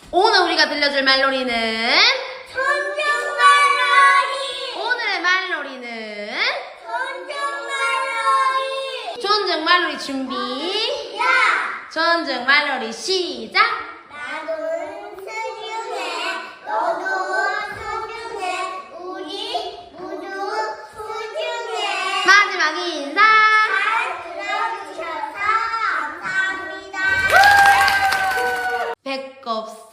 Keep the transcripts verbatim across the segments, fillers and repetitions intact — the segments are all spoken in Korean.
오늘 우리가 들려줄 말놀이는 존중 말놀이. 오늘의 말놀이는 존중 말놀이. 존중 말놀이 준비. 야. 존중 말놀이 시작. 나도 소중해. 너도 소중해. 우리 모두 소중해. 마지막 인사. 잘 들어주셔서 감사합니다. 배꼽선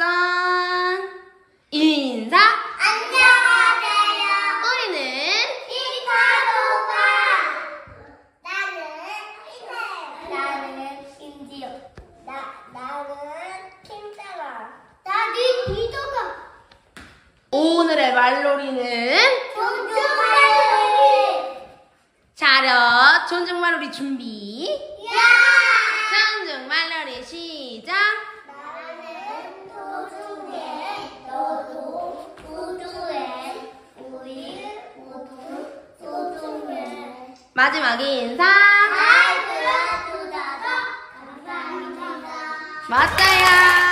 인사. 안녕하세요. 우리는 이파도가. 나는 이세요. 나는 김지영. 나 나는 김사라. 나는 이도가. 오늘의 말놀이는 존중 말놀이. 차렷 존중 말놀이 준비. 야. 존중 말놀이 시작. 나는 소중해. 너도 소중해. 우리 모두 소중해. 마지막 인사. 잘 들어주셔서 감사합니다. 맞아요.